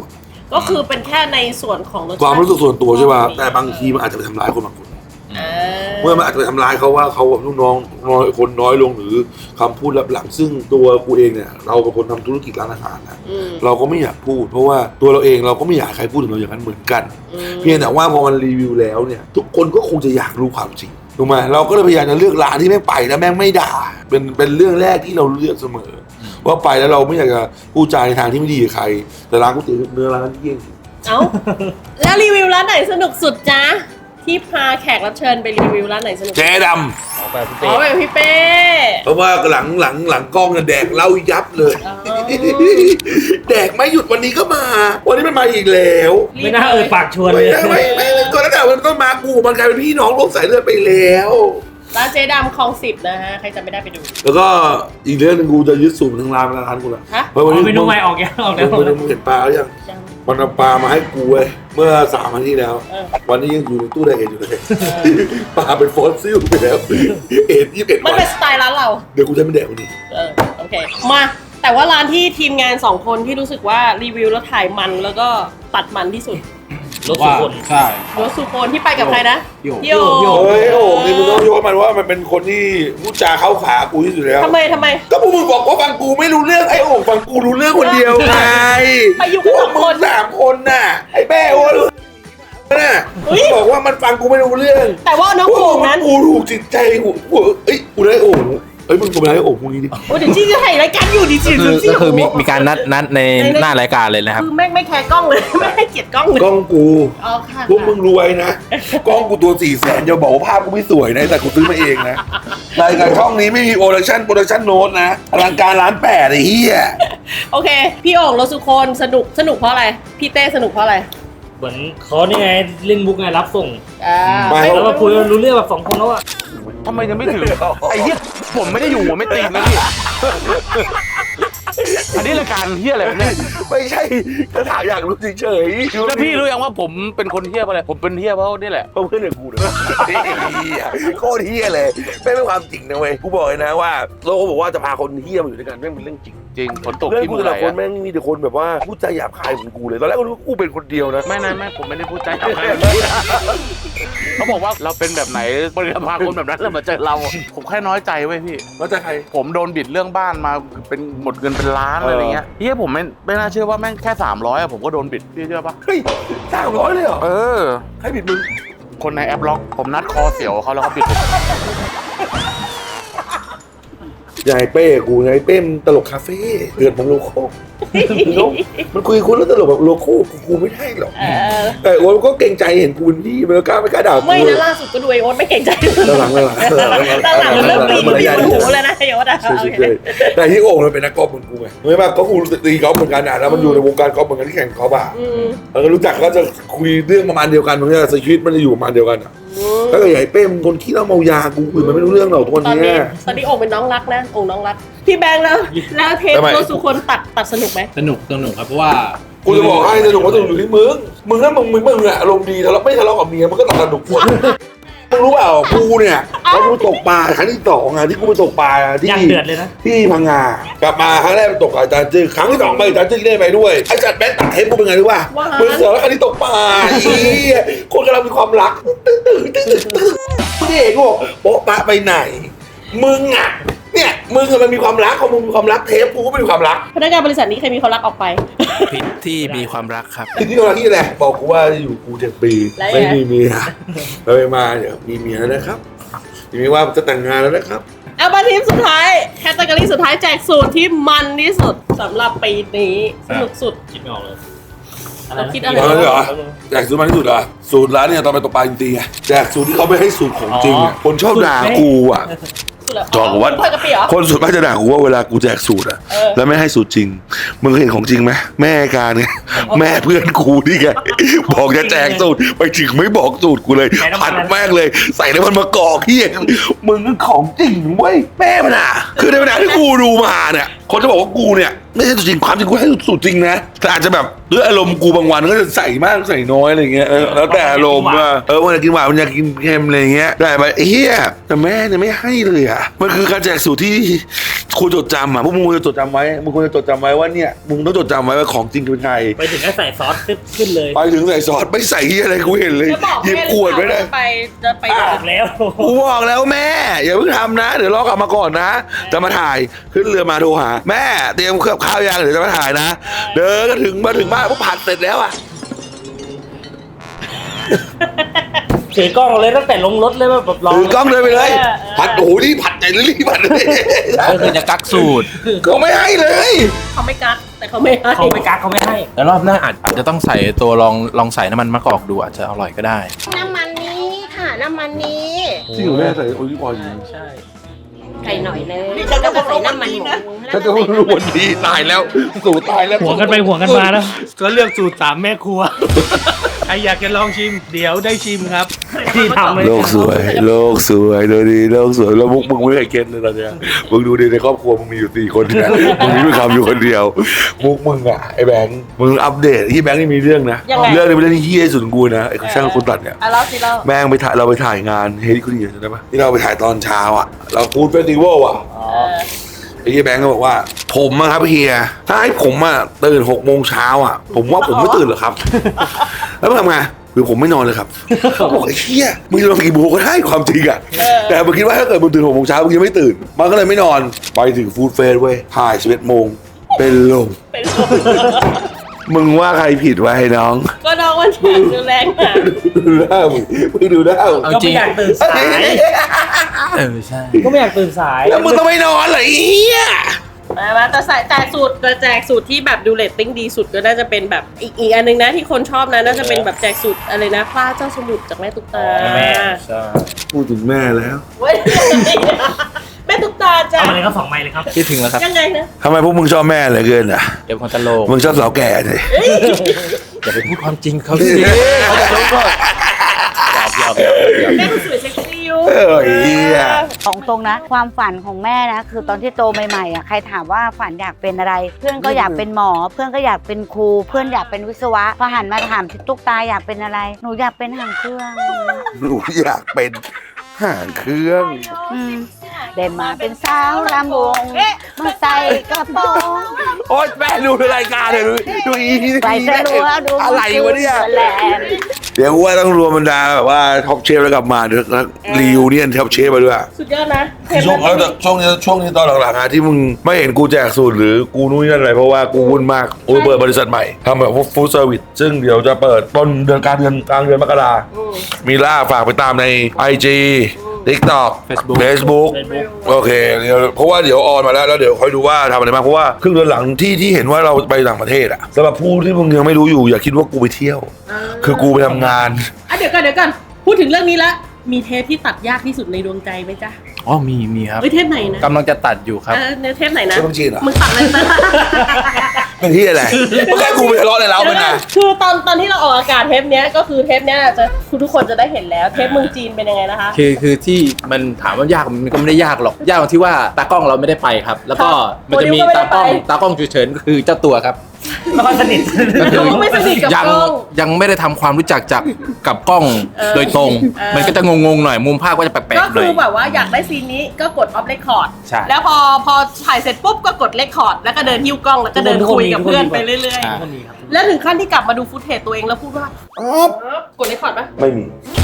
Speaker 2: ก็คือเป็นแค่ในส่วนของรสชาติ
Speaker 3: ความรู้สึกส่วนตัวใช่ป่ะแต่บางทีมันอาจจะไปทำร้ายคนบางคน
Speaker 2: อ่า
Speaker 3: เมื่อมันอาจจะไปทำร้ายเขาว่าเขาแบบลูกน้องน้อยคนน้อยลงหรือคำพูดลับหลังซึ่งตัวกูเองเนี่ยเราเป็นคนทำธุรกิจร้านอาหารนะ
Speaker 2: อืม
Speaker 3: เราก็ไม่อยากพูด เพราะว่าตัวเราเองเราก็ไม่อยากให้ใครพูดถึงเราอย่างนั้นเหมือนกัน
Speaker 2: อืม
Speaker 3: เพียงแต่ว่าพอมันรีวิวแล้วเนี่ยทุกคนก็คงจะอยากรู้ความจริงถูกไหมเราก็เลยพยายามจะเลือกร้านที่แม่งไปแล้วแม่งไม่ด่าเป็นเป็นเรื่องแรกที่เราเลือกเสมอ ว่าไปแล้วเราไม่อยากจะพูดจาในทางที่ไม่ดีกับใคร แต่ร้านก๋วยเตี๋ยวเนื้อร้านนั้นเยี่ยง
Speaker 2: เอ้าแล้วรีวิวร้านไหนสนุกสุดจ๊ะที่พาแขกรับเชิญไปรีวิวร้านไหนสนุก
Speaker 3: แจ๊ด
Speaker 5: ออกไปพี่
Speaker 2: อ๋
Speaker 5: เป้
Speaker 2: อแบบพี่เป้
Speaker 3: ำเพราะว่าหลังหลังหลังกล้องเนี่ยแดกเหล้ายับเลย
Speaker 2: อ๋อ
Speaker 3: แดกไม่หยุดวันนี้ก็มา วันนี้มันมาอีกแล้ว
Speaker 5: ไม่น่าเอ่ยปากชวน
Speaker 3: ไม่
Speaker 5: เลย
Speaker 3: ได้ไม่ไม่ไม่ก่อนหน้านั้นมันก็มากูมันกลายเป็นพี่น้องร่วมสายเลือดไปแล้ว
Speaker 2: ร้านเจ๊ดำคลองสิบนะฮะใครจะไม่ได้ไปดู
Speaker 3: แล้วก็อีกเรื่องหนึงกูจะยึดสูตรทางร้านมาทานกูละ
Speaker 2: ฮะ
Speaker 3: เพราะวันนี้
Speaker 5: เมนูใหม่ออกยังออกแล้ว
Speaker 3: มึงมึงเห็นปลาหรือยัง
Speaker 2: ยัง
Speaker 3: มันเอาปลามาให้กูเว้ยเมื่อสามวันที่แล้ว
Speaker 2: เออ
Speaker 3: วันนี้ยังอยู่ในตู้ไดเอทอยู่เลยปลาเป็นฟอสซิลไปแล้วเอ็ดยี่สิบเอ็ด
Speaker 2: มัน
Speaker 3: วัน
Speaker 2: เป็นสไตล์ร้านเรา
Speaker 3: เดี๋ยวกูจะไม่แดกวันนี้
Speaker 2: เออโอเค มาแต่ว่าร้านที่ทีมงานสองคนที่รู้สึกว่ารีวิวแล้วถ่ายมันแล้วก็ตัดมันที่สุด
Speaker 5: รถสุคน
Speaker 4: ใช่
Speaker 2: รถสุโคนที่ไปกับใครนะ
Speaker 4: พี่โอ๋
Speaker 2: พี่โอ๋
Speaker 3: เฮ้ยโอ้โหนี่มึงต้องยกมันว่ามันเป็นคนที่พูดจาเข้าขากูที่สุดแล้ว
Speaker 2: ทำไมทำไม
Speaker 3: ก็พวกมึงบอกว่าฟังกูไม่รู้เรื่องไอ้โอ่งฟังกูรู้เรื่องคนเดียวไง
Speaker 2: ไปอยู่กัน
Speaker 3: พว
Speaker 2: ส
Speaker 3: ก
Speaker 2: อง
Speaker 3: มึ
Speaker 2: ค
Speaker 3: ง
Speaker 2: น
Speaker 3: สามคนน่ะไอ้แม่โอ้รู้น่ะ
Speaker 2: เฮ้ย
Speaker 3: บอกว่ามันฟังกูไม่รู้เรื่อง
Speaker 2: แต่ว่าน้องโอ่งนั้น
Speaker 3: กูถูกจิตใจกูกูเอ้ยกูได้โอ่งเอ้ยมึงกูไปได้โอ่งพวกนี้ดิ
Speaker 2: โอ้เดี๋ยวจี้จะถ่ายรายการอยู่ดิจิ
Speaker 4: ก็คือ
Speaker 2: จี้
Speaker 4: ก็คือมีมีการนัดนัดในหน้ารายการเลยนะครับ
Speaker 2: คือแม่งไม่แคร์กล้องเลย ไม่ให้เกียรติกล้องเลย
Speaker 3: กล้องกู
Speaker 2: อ๋อค่ะ
Speaker 3: พวกมึงรวยนะกล้องกูตัวสี่แสนอย่าบอกว่าภาพกูไม่สวยนะแต่กูซื้อมาเองนะรายการช่องนี้ไม่มีโปรดักชั่นโปรดักชั่นโน้ตนะอลังการร้านแปดไอ้เหี้ย
Speaker 2: โอเค พี่โอ่งรถสุคนสนุกสนุกเพราะอะไร พี่เต้สนุกเพราะอะไร
Speaker 5: เหมือนเขานี่ไงเล่นมุกไงรับส่ง
Speaker 2: อ่า
Speaker 5: แล้วมาคุยกันรู้เรื่องแบบสองคนแล้วอะ
Speaker 6: ทำไมยังไม่ถึงไอ้เหี้ยผมไม่ได้อยู่หัวไม่ตีนนะพี่อันนี้รายการเหี้ยอะไรวะเนี่ย
Speaker 3: ไม่ใช่ถ้าถามอยากรู้เฉยๆ
Speaker 6: แล้วพี่รู้ยังว่าผมเป็นคนเหี้ยเพราะอะไรผมเป็นเหี้ยเพราะนี่แหละ
Speaker 3: เพราะเพื่อนอย่างกูเนี่ยเฮียโคตรเฮียเลยไม่เป็นความจริงนะเว้ยกูบอกเลยนะว่าโลกบอกว่าจะพาคนเฮียมาอยู่ด้วยกันแม่งเป็นเรื่องจริง
Speaker 6: จริงฝนตก
Speaker 3: เรื่อง
Speaker 6: ที่
Speaker 3: กู
Speaker 6: มือ
Speaker 3: แต่
Speaker 6: ไหล
Speaker 3: ละคน
Speaker 6: อะ
Speaker 3: แม่งมีแต่คนแบบว่าพูดจาหยาบคายเหมือนกูเลยตอนแรกกูรู้ว่ากูเป็นคนเดียวนะ
Speaker 6: ไม่นะไม่ผมไม่ได้พูดใจกับใครเขาบอกว่าเราเป็นแบบไหนบริษัทพาคนแบบนั้นแล้วมาเจอเรา ผมแค่น้อยใจเว้ยพี่
Speaker 3: ว่าจะใคร
Speaker 6: ผมโดนบิดเรื่องบ้านมาเป็นหมดเงินเป็นล้าน
Speaker 3: เอออ
Speaker 6: อะไรเงี้ยเฮียผมไม่ไม่น่าเชื่อว่าแม่งแค่สามร้อยอะผมก็โดนบิดพี่เชื่อปะ
Speaker 3: เฮ้ยสามร้อยเลยเหรอ
Speaker 6: เออ
Speaker 3: ใครผิดมึง
Speaker 6: คนในแอปล็อกผมนัดคอเสียวเขาแล้วเขาบิดผม
Speaker 3: ยายเป้กูยายเป้มนตลกคาเฟ่เดือดของโลโก้มันคุยกับคนแล้วตลกแบบโลโก้กูกูไม่ได้หรอก
Speaker 2: เออ
Speaker 3: แต่โอ๊ตก็เกรงใจเห็นกูเป็นพี่มันก็กล้าไม่กล้าด่ากู
Speaker 2: ไม่นะล่าสุดก็ดูไอโอ๊ตไม่เก่งใจ
Speaker 3: หลังๆหลังๆ
Speaker 2: ตอนหลังมันเริ่มปีนปีนบนหูเลยนะไอโอ๊ตอะ
Speaker 3: ใช่
Speaker 2: โอ
Speaker 3: ใช่
Speaker 2: เค
Speaker 3: แต่ที่โอ่งมันเป็นนักกอล์ฟเหมือนกูไงไม่ว่าก็กูตีกอล์ฟเหมือนกันนะแล้วมันอยู่ในวงการกอล์ฟเหมือนกันที่แข่งกอล์ฟอ่ะ
Speaker 2: อืม
Speaker 3: แล้วก็รู้จักก็จะคุยเรื่องประมาณเดียวกันมันจะชีวิตมันจะอยู่ประมาณเดียวกันอ่ะถ้าเกิดใหญ่เป้มนคนขี้เหล้าเมายากูคุยมันไม่รู้เรื่องหรอกทุกวัน
Speaker 2: ตอน
Speaker 3: นี้
Speaker 2: นี้ตอนนี้โอ่งเป็นน้องรักนะโอ่งน้องรัก พี่แบงค์แล้ว แล้วเทป
Speaker 3: ทำไม
Speaker 2: รถสุคนตัดตัดสนุกไหม
Speaker 4: สนุกสนุกครับเพราะว่า
Speaker 3: กูจะบอกให้สนุกว่าสนุกอยู่ที่มึงมึงถ้ามึงมึงมึงอะอารมณ์ดีทะเลาะไม่ทะเลาะกับเมียมันก็ต้องสนุกหมดมึงรู้เปล่ากูเนี่ยเขากูตกปลาครั้งที่สองอะที่กูไปตกปลาที่
Speaker 5: ย่างเดือดเลยนะ
Speaker 3: ที่พังงากลับมาครั้งแรกไปตกกับอาจารย์จื้อครั้งที่สองไปอาจารย์จื้อได้ไปด้วยไอ้จัดแบงค์ตัดเทปกูเป็นไงรู้ป่ะมึงเสือแล้วครั้งที่ตกปลาอีคนกำลังมีความรักตึ้งตึ้งตึ้งตึ้งตึ้งพี่เอกก็บอกโป๊ะปะไปไหนมึงอะเนี่ยมึงอะมันมีความรักของมึงมีความรักเทปกูก็ไม่มีความรัก
Speaker 2: พนักงานบริษัทนี้ใครมีความรักออกไป
Speaker 4: ผิดที่มีความรักครับ
Speaker 3: ที่นี่เราที่แหละบอกกูว่าจะอยู่กูเจ็ดปี
Speaker 2: แล้วไง
Speaker 3: ไม่มีเมียไปมาเดี๋ยวมีเมียแล้วนะครับทีนี้ว่าจะแต่งงานแล้วนะครับ
Speaker 2: เอามาทีมสุดท้ายแคตตากรีสุดท้ายแจกสูตรที่มันที่สุดสำหรับปีนี้สนุกสุด
Speaker 5: คิดไม่ออกเลย
Speaker 2: เราคิดอะไร
Speaker 3: เอาเลยเหรอแจกสูตรมาที่สุดเหรอสูตรร้านเนี่ยตอนไปตกปลาจริงๆอะแจกสูตรที่เขาไม่ให้สูตรของจริงอะคนชอบด่ากูอะ
Speaker 2: สุดแล้ว
Speaker 3: บอกว่า
Speaker 2: เพื่อนกะปิเหรอ
Speaker 3: คนส่วนมากจะด่ากูว่าเวลากูแจกสูตรอะ
Speaker 2: เออ
Speaker 3: แล้วไม่ให้สูตรจริงมึงเคยเห็นของจริงไหมแม่การไงแม่เพื่อนกูนี่ไงบอกจะแจกสูตรไปถึงไม่บอกสูตรกูเลยผัดแม่งเลยใส่แล้วมันมากอกเฮียมึงของจริงเว้ยแม่มันอะคือในเวลาที่กูดูมาเนี่ยคนจะบอกว่ากูเนี่ยไม่ใช่สูตรจริงความจริงกูให้สูตรจริงนะแต่อาจจะแบบด้วยอารมณ์กูบางวันก็จะใส่มากใส่น้อยอะไรเงี้ยเออแล้วแต่อารมณ์ว่าเออวันอยากกินหวานมันอยากกินเค็มอะไรเงี้ยได้ไปเฮียแต่แม่เนี่ยไม่ให้เลยอ่ะมันคือการแจกสูตรที่ควรจดจำอ่ะพวกมึงควรจะจดจำไว้มึงควรจะจดจำไว้ว่าเนี่ยมึงต้องจดจำไว้ว่าของจริงเป็นไง
Speaker 5: ไปถึงก็ใส่ซอสขึ้นเลย
Speaker 3: ไปถึงใส่ซอสไม่ใส่ที่อะไรกูเห็นเลย
Speaker 2: จะบอก
Speaker 3: หยิบ
Speaker 2: แม่
Speaker 3: ขวดไว้เลย
Speaker 2: จะไปจะไป
Speaker 5: บ
Speaker 2: ด่า
Speaker 5: อกแล้ว
Speaker 3: กูบอกแล้วแม่อย่าเพิ่งทำนะเดี๋ยวรอกลับมาก่อนนะจะมาถ่ายขึ้นเรือมาโทรหาแม่เตรียมเครื่องข้าวยังเดี๋ยวจะมาถ่ายนะเดินก็ถึงมาถึงบ้านพวกผัดเสร็จแล้วอ่ะ
Speaker 5: ถือกล้องเลยตั้งแต่ลงรถเลยแบบรอ
Speaker 3: ถือกล้องเดินไปเลยผัดโอ้โหนี่ผัดใจรีบผัดเลย
Speaker 4: ก็คือจะกักสูตร
Speaker 3: เขาไม่ให้เลย
Speaker 2: เขาไม่กักแต่เขาไม่ให้
Speaker 5: เขาไม่กักเขาไม่ให้
Speaker 4: แล้วรอบหน้าอาจอาจจะต้องใส่ตัวลองลองใส่น้ำมันมะกอกดูอาจจะอร่อยก็ได้
Speaker 2: น้ำมันนี้ค่ะน้ำมันนี้
Speaker 3: จริงเหรอแม่ใส่โอลิฟออยล์
Speaker 2: ใช่ไก่หน่อยนึงแล้วก็ใส่น้ำมันหมู
Speaker 3: ฉันจะรู้วันดีตายแล้วสูตรตายแล้ว
Speaker 5: หัวกันไปหัวกันมาแล้ว
Speaker 6: ก็เลือกสูตรสามแม่ครัว ใครอยากจะลองชิม เดี๋ยวได้ชิมครับ
Speaker 5: ที่ทำเลย
Speaker 3: โลกสวยโลกสวยดูดีโลกสวยแล้วมุกมึงไม่เคยเก็ตเลยตอนเนี้ยมึงดูดีในครอบครัวมึงมีอยู่สี่คนเนี่ยมึงมีคำอยู่คนเดียวมุกมึงอ่ะไอ้แบงค์มึงอัปเดตที่แบงค์นี่มีเรื่องนะเรื่องนี้เป็นเรื่องที่เฮี้ยสุดของกูนะไอ้ช่างคนตัดเนี่ย
Speaker 2: อ่ะแล้วสิเรา
Speaker 3: แม่งไปถ่ายเราไปถ่ายงานเฮลิคอปเตอร์ใช่ไหมที่เราไปถ่ายตอนเช้าอ่ะเราฟูดเฟสติวัลอ่ะ
Speaker 2: เออ
Speaker 3: ไอ้เฮียแบงก์ก็บอกว่าผมอะครับเฮียถ้าให้ผมอะตื่นหกโมงเช้าอะผมว่าผมไม่ตื่นหรอกครับ แล้วมันทำไงคือผมไม่นอนเลยครับบอกไอ้เฮียมึงจะนอนกี่โมงก็ได้ความจริงอะแต่มึงคิดว่าถ้าเกิดมึงตื่นหกโมงเช้ามึงยังไม่ตื่นมันก็เลยไม่นอนไปถึงฟูดเฟสเว้ยถ่ายสิบเอ็ดโมงเป็นลม
Speaker 2: เป็นลม
Speaker 3: มึงว่าใครผิดวะไอ้น้อง
Speaker 2: ก็น้องมันแข็งดูแรงอ่ะ
Speaker 3: ดูหน้ามึงมึงดูหน้ามึง
Speaker 4: เอา
Speaker 5: ก็
Speaker 4: จริ
Speaker 5: ไม่
Speaker 4: ง
Speaker 5: อยากตื่นสาย
Speaker 4: เออใช่
Speaker 5: ก็ไม่อยากตื่นสาย
Speaker 3: แล้วมึงต้องไม่นอนเหรอไอ้เฮีย
Speaker 2: มามาแต่ใส่แจกสูตรแต่แจกสูตรที่แบบดูเรตติ้งดีสุดก็น่าจะเป็นแบบอีกอีกอันนึงนะที่คนชอบนะน่าจะเป็นแบบแจกสูตรอะไรนะพระเจ้าสมุทรจากแม่ตุ๊กตา
Speaker 5: แม่ใช่
Speaker 3: พูดถึงแม่แล้ว
Speaker 2: เว้ยแม่ตุ๊กตาจ้ะ
Speaker 5: เอามาเลยครับสองไม้เลยครับ
Speaker 4: คิดถึงแล้วครับ
Speaker 2: ยังไงนะ
Speaker 3: ทำไมพวกมึงชอบแม่เหลือเกินอ่ะ
Speaker 4: เดี๋ยวคนตลก
Speaker 3: มึงชอบสาวแก่เลย
Speaker 4: อย่าไปพูดความจริงเขาสิเขาจะรู้ก็หยอกหยอกหยอกหยอก
Speaker 2: แม่ก็สวยเซ็กซี่อยู่
Speaker 3: เออไอ้เหี้ย
Speaker 7: ของตรงนะ ความฝันของแม่นะ คือตอนที่โตใหม่ๆอ่ะใครถามว่าฝันอยากเป็นอะไร เพื่อนก็อยากเป็นหมอ เพื่อนก็อยากเป็นครู เพื่อนอยากเป็นวิศวะพอหันมาถามที่ตุ๊กตาอยากเป็นอะไร หนูอยากเป็นหางเครื่อง
Speaker 3: หนูอยากเป็นห่างเครื่อง
Speaker 7: อืมเด่นมาเป็นสาวลำวงมาใส่กระโปรง
Speaker 3: โอ๊ยแม่ดูรายการเลยดูดูอีนี่
Speaker 7: ใส่เสื้อรัวดู
Speaker 3: อะไรวะเนี่ย
Speaker 7: แหลม
Speaker 3: เดี๋ยวว่าต้องรวมบรรดาแบบว่าท็อปเชฟแล้วกลับมาเดี๋ยวรีวิวเนี่ยท็อปเชฟมาด้วย
Speaker 2: สุดยอดนะ
Speaker 3: ช่วงแล้วช่วงนี้ช่วงนี้ตอนหลังๆอะที่มึงไม่เห็นกูแจกสูตรหรือกูนู่นนี่นั่นอะไรเพราะว่ากูวุ่นมากกูเปิดบริษัทใหม่ทำแบบพวกฟู้ดเซอร์วิสซึ่งเดี๋ยวจะเปิดต้นเดือนกลางเดือนกลางเดือนมกรา
Speaker 2: อืม
Speaker 3: มีล่าฝากไปตามใน ไอ จี TikTok
Speaker 4: Facebook
Speaker 3: Facebook โอเคเดี๋ยวเพราะว่าเดี๋ยวออนมาแล้วแล้วเดี๋ยวค่อยดูว่าทำอะไรบ้างเพราะว่าครึ่งเดือนหลังที่ที่เห็นว่าเราไปต่างประเทศอะสำหรับผู้ที่มึงยังไม่รู้อยู่อย่าคิดว่ากูไปเที่ยว คือกูไปทำงาน
Speaker 2: อ่ะเดี๋ยวก่อนเดี๋ยวก่อนพูดถึงเรื่องนี้ละมีเทปที่ตัดยากที่สุดในดวงใจไหมจ๊ะ
Speaker 4: อ๋อมีมีครับ
Speaker 2: เฮ้ยเทปไหนนะ
Speaker 4: กำลังจะตัดอยู่ครับ
Speaker 2: เออเนื้อเทปไหนนะ
Speaker 3: เทปบัญชีเหรอ
Speaker 2: มึงตัดเลยนะ
Speaker 3: เป็นที่อะไรแค่กูไปทะเลาะในเล้ามันนะ
Speaker 2: คือตอนตอนที่เราออกอากาศเทปเนี้ยก็คือเทปเนี้ยจะคือทุกคนจะได้เห็นแล้วเทปเมืองจีนเป็นยังไงนะคะ
Speaker 4: คือคือที่มันถามว่ายากมันก็ไม่ได้ยากหรอกยากตรงที่ว่าตากล้องเราไม่ได้ไปครับ แล้วก็
Speaker 2: ครับ
Speaker 4: มันจะมี
Speaker 2: โมเดลก็ไม่ได้
Speaker 4: ตากล้อง
Speaker 2: ไป
Speaker 4: ตากล้องฉุกเฉินก็คือเจ้าตัวครับ
Speaker 5: ไม่ค่อยสนิท
Speaker 4: ก็คือ
Speaker 2: เราไม่สนิทกับ
Speaker 4: ยัง
Speaker 2: กล้อง
Speaker 4: ยังไม่ได้ทำความรู้จักจากกับกล้อง
Speaker 2: เออ
Speaker 4: โดยตรง
Speaker 2: เออ
Speaker 4: มันก็จะงงๆหน่อยมุมภาพก็จะแปลก
Speaker 2: ก็
Speaker 4: ๆหน่
Speaker 2: คือ
Speaker 4: อย
Speaker 2: แบบว่าอยากได้ซีนนี้ก็กดออฟเรคคอร์ด
Speaker 4: ใช่
Speaker 2: แล้วพอพอถ่ายเสร็จปุ๊บก็กดเรคคอร์ดแล้วก็เดินหิ้วกล้องแล้วก็เดิน
Speaker 5: ทุกคน
Speaker 2: คุยกับ
Speaker 5: ทุกคน
Speaker 2: เพื่อน
Speaker 5: มี
Speaker 2: ไปเรื่อย
Speaker 4: อ่า
Speaker 2: ๆ แล้วถึงขั้นที่กลับมาดูฟุตเทจตัวเองแล้วพูดว่าอ๋อกดเรคคอร์ดปะ
Speaker 3: ไม่มี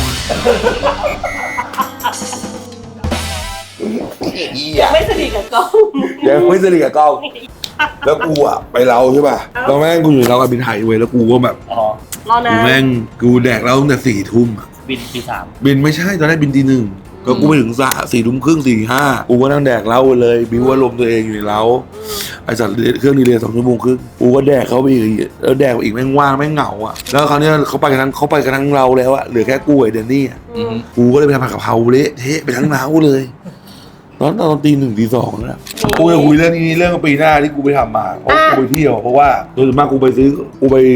Speaker 2: ไม่สนิทกับกล้อง
Speaker 3: ยังไม่สนิทกับกล้องแล้วกูอะไปเราใช่ป่ะแล้วแม่งกูอยู่ในเรากับบินไทยเว้ยแล้วกูก็แบบ
Speaker 5: อ๋อ
Speaker 2: รอนะ
Speaker 3: กูแม่งกูแดกเราตั้งแต่สี่ทุ่มอะ
Speaker 5: บินปีสาม
Speaker 3: บินไม่ใช่ตอนแรกบินตีหนึ่งก็กูไปถึงสะสี่ทุ่มครึ่งสี่ห้ากูก็นั่งแดกเหล้าเลยบิวว่าลมณ์ตัวเองอยู่ในเล้าไอสัตว์เครื่องดีเลยสองชั่วโมงครึ่งกูก็แดกเขาไปอีกแล้วแดกอีกแม่งว่างแม่งเหงาอ่ะแล้วคราวเนี้ยเขาไปกันทั้งเขาไปกันทั้งเราแล้วอะเหลือแค่กูไอเดนนี่อะ
Speaker 4: อือฮึ
Speaker 3: กูก็เลยไปทำผัดกะเพราเละเทะไปทั้งเล้าเลยตอนตอนตีหนึ่งตีสองแล้วกูจะคุยเรื่องนี้เรื่องปีหน้าที่กูไปทำมาเพราะกูไปเที่ยวเพราะว่าโดยส่วนมากกูไปซื้อกูไป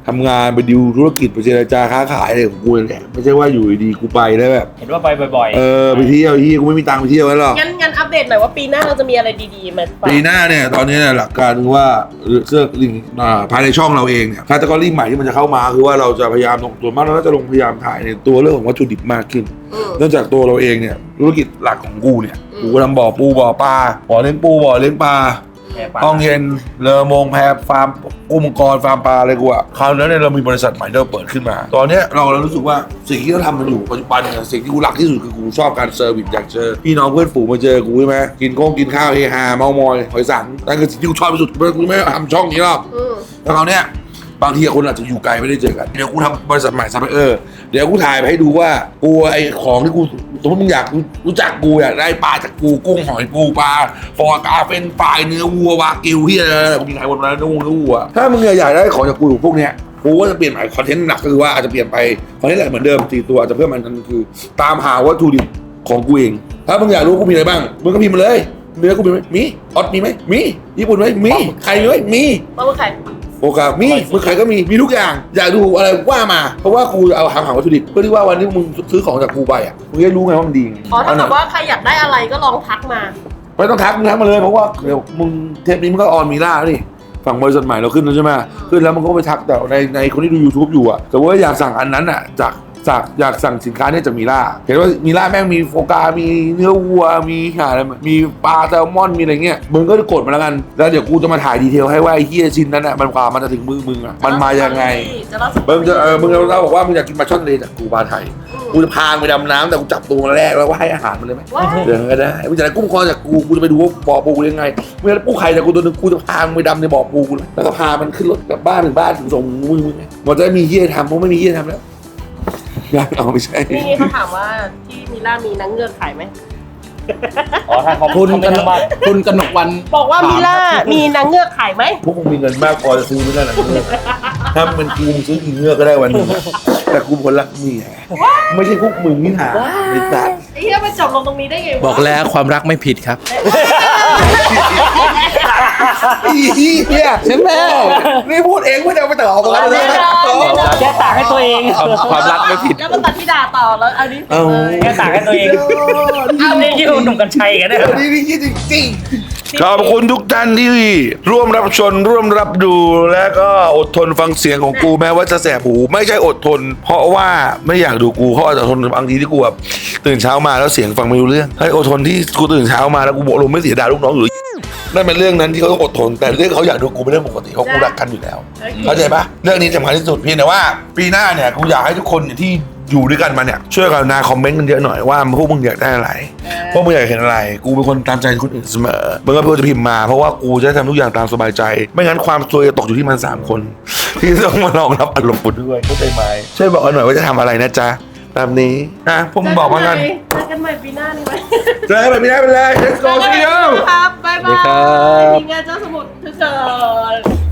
Speaker 3: ทำงานไปดิวธุรกิจไปเจรจาค้าขายอะไรของกูนั่นแหละไม่ใช่ว่าอยู่ดีๆกูไปแล้วแบบ
Speaker 5: เห็นว่าไปบ่อยๆ
Speaker 3: เออไปเที่ยวที่กูไม่มีตังค์ไปเที่ยวแล้วหรอก
Speaker 2: งั้นงั้นอัปเดตหน่อยว่าปีหน้าเราจะมีอะไรดีๆมาฝาก
Speaker 3: ปีหน้าเนี่ยตอนนี้เนี่ยหลักการคือว่าเสื้อลิงอ่าภายในช่องเราเองเนี่ยแคตตากรีใหม่ที่มันจะเข้ามาคือว่าเราจะพยายามลงตัวมากเราก็จะลงพยายามถ่ายในตัวเรื่องของวัตถุดิบมากขึ้น
Speaker 2: อืม
Speaker 3: เนื่องจากตัวเราเองเนี่ยธุรกิจหลักของกูเนี่ยกูก็ทำบ่อปูบ่อปลาบ่อเลี้ยงปูบ่อเลี้ยงปลาห้องเย็นเรือมงแพฟาร์มกุ้งมังกรฟาร์มปลาอะไรกูอะคราวนั้นเนี่ยเรามีบริษัทใหม่ที่เราเปิดขึ้นมา ตอนเนี้ยเราเรารู้สึกว่าสิ่งที่เราทำมันอยู่ปัจจุบันเนี่ยสิ่งที่กูรักที่สุดคือกูชอบการเซอร์วิสอยากเจอพี่น้องเพื่อนฝูงมาเจอกูใช่ไหมกินโค้งกินข้าวเฮฮาเมามอยหอยสังนั่นคือสิ่งที่กูชอบที่สุดกูไม่ทำช่องนี้หรอก
Speaker 2: อืม
Speaker 3: แล้วคราวเนี้ยบางทีคนอาจจะอยู่ไกลไม่ได้เจอกันเดี๋ยวกูทำบริษัทใหม่ซัพพลายเออร์เดี๋ยวกูถ่ายไปให้ดูว่ากูไอของที่กูสมมติมึงอยากรู้จักกูอยากได้ปลาจากกูกุ้งหอยปูปลาฟอร์กาเป็นปลายเนื้อวัววากิวที่อะไรกูกินขายหมดแล้วเนื้อวัวเนื้อวัวถ้ามึงอยากได้ของจากกูพวกเนี้ยกูก็จะเปลี่ยนใหม่คอนเทนต์หนักก็คือว่าอาจจะเปลี่ยนไปคอนเทนต์อะไรเหมือนเดิมสี่ตัวอาจจะเพิ่มมันนั่นคือ ตามหาวัตถุดิบของกูเองถ้ามึงอยากรู้กูมีอะไรบ้างมึงก็พิมพ์มาเลยเนื้อกูมีไหมมีออสมีไหมมีญี่ปุ่นไหมมีไข่มีไหมมี
Speaker 2: มาเมื่อไหร่
Speaker 3: โอกาสมีมือขายก็มีมีทุกอย่างอยากดูอะไรว่ามาเพราะว่ากูเอาหาหาวัตถุดิบเพื่อที่ว่าวันที่มึงซื้อของจากกูไปอ่ะมึงจะรู้ไงว่ามันดี
Speaker 2: อ๋อถ้าแบบว่าใครอยากได้อะไรก็ลองทักมา
Speaker 3: ไม่ต้องทักมึงทักมาเลยเพราะว่าเดี๋ยวมึงเทปนี้มันก็ออนมีล่าแล้วนี่ฝั่งบริษัทใหม่เราขึ้นแล้วใช่ไหมขึ้นแล้วมันก็ไปทักแต่ในในคนที่ดู YouTube อยู่อ่ะแต่ว่าอยากสั่งอันนั้นอ่ะจากจากอยากสั่งสินค้าเนี่ยจากมีล่าเห็นว่ามีล่าแม่งมีโฟกา มีเนื้อวัวมีหาอะไรมีปลาแซลมอนมีอะไรเงี้ยมึงก็กดมาแล้วกันแล้วเดี๋ยวกูจะมาถ่ายดีเทลให้ว่าไอ้เหี้ยชิ้นนั้นอ่ะมันกว่ามันจะถึงมือมึงอ่ะมันมายังไง
Speaker 2: จะเล่าสัก
Speaker 3: มึงจะเออมึงเราบอกว่ามึงอยากกินปลาช่อนทะเลจากกูปลาไทยกูจะพาไปดำน้ำแต่กูจับตัวมาแรกแล้วก็ให้อาหารมันเลยไหม
Speaker 2: ว่า
Speaker 3: เดี๋ยวก็ได้มึงจะได้กุ้งคอจากกูกูจะไปดูว่าบ่อปูยังไงมึงจะได้ปูไข่จากกูตัวนึงกูจะพามึงไปดำในบ่อปูกูแล้วก็พามันขึ้นรถกลับบ้านถึงบ้านถึงส่งมือมึงไงมันจะได้มีเหี้ยทำเพราะไม่มีเหี้ยทำแล้วงานเอาไม่ใช่
Speaker 2: นี่เขาถามว่าที่มิล่ามีนังเงือกขายไหม
Speaker 5: อ๋อถ้าเขา
Speaker 4: คุณ
Speaker 5: เขา
Speaker 4: ก
Speaker 5: ไม่
Speaker 4: น
Speaker 5: ทำ
Speaker 4: ก
Speaker 5: บ้าน
Speaker 4: คุณกนกวัน
Speaker 2: บอกว่ามิล่ามีนังเงือกขายไหม
Speaker 3: พวกมึงมีเงินมากพอจะซื้อไม่ได้หรอกถ้ามันกูมึงซื้อกินเงือกก็ได้วันหนึงอะแต่กูคนรักเมียไม่ใช่พวกมึงนี่หาในสัตว์
Speaker 2: ไอ้เหี้ยมันจบลงตรงนี้ได้ไงวะ
Speaker 4: บอกแล้วความรักไม่ผิดครับ
Speaker 3: อีเหี้ยใช่ไหมนี่พูดเองไม่ได้เอาไปต่อกันเลย
Speaker 5: แค่ตากให้ตัวเอง
Speaker 4: ความความรักไม่ผิด
Speaker 2: แล้วมาตัดที่ด่าต่อแล้วอันนี้
Speaker 3: เอา
Speaker 5: แค่ตากให้ตัวเองอ้าวนี่ยิ่งหนุ่มกัญชัยกันเนี่ย
Speaker 3: นี่นี่จริงจริงๆขอบคุณทุกท่านที่ร่วมรับชมร่วมรับดูและก็อดทนฟังเสียงของกูแม้ว่าจะแสบหูไม่ใช่อดทน เพราะว่าไม่อยากดูกูเพราะอดทนบางทีที่กูแบบตื่นเช้ามาแล้วเสียงฟังไม่รู้เรื่องให้อดทนที่กูตื่นเช้ามาแล้วกูบอกลมไม่เสียดายลูกน้องหรือนั่นเป็นเรื่องนั้นที่เขาต้องอดทนแต่เรื่องเขาอยากดูกูเป็นเรื่องปกติเพราะกูรักกันอยู่แล้วเข้าใจปะเรื่องนี้สำคัญที่สุดเพียงแต่ว่าปีหน้าเนี่ยกูอยากให้ทุกคนเนี่ยที่อยู่ด้วยกันมาเนี่ยช่วยกันนาคอมเมนต์กันเยอะหน่อยว่าพวกมึงอยากได้อะไรพวกมึงอยากเห็นอะไรกูเป็นคนตามใจคนอื่นเสมอมึงก็ควรจะพิมพ์มาเพราะว่ากูจะทำทุกอย่างตามสบายใจไม่งั้นความซวยจะตกอยู่ที่มันสามคนที่ต้องมารองรับอารมณ์กูด้วยเข้าใจไหมช่วยบอกกันหน่อยว่าจะทำอะไรนะจ๊ะตามนี้นะพวกมึงบอกมากัน
Speaker 2: เจอกันใหม่ปีหน้านี่ไหม
Speaker 3: เจอกันแบบนี้ได้ไปเลย let's
Speaker 2: เจ
Speaker 3: go
Speaker 2: อกันใหม่
Speaker 3: see
Speaker 2: ปีห
Speaker 3: you
Speaker 2: น้าครับบ๊ายบา
Speaker 4: สวัสดีครั
Speaker 2: ย
Speaker 4: บ
Speaker 2: ทีมงานเจ้าสมุทรทุกคน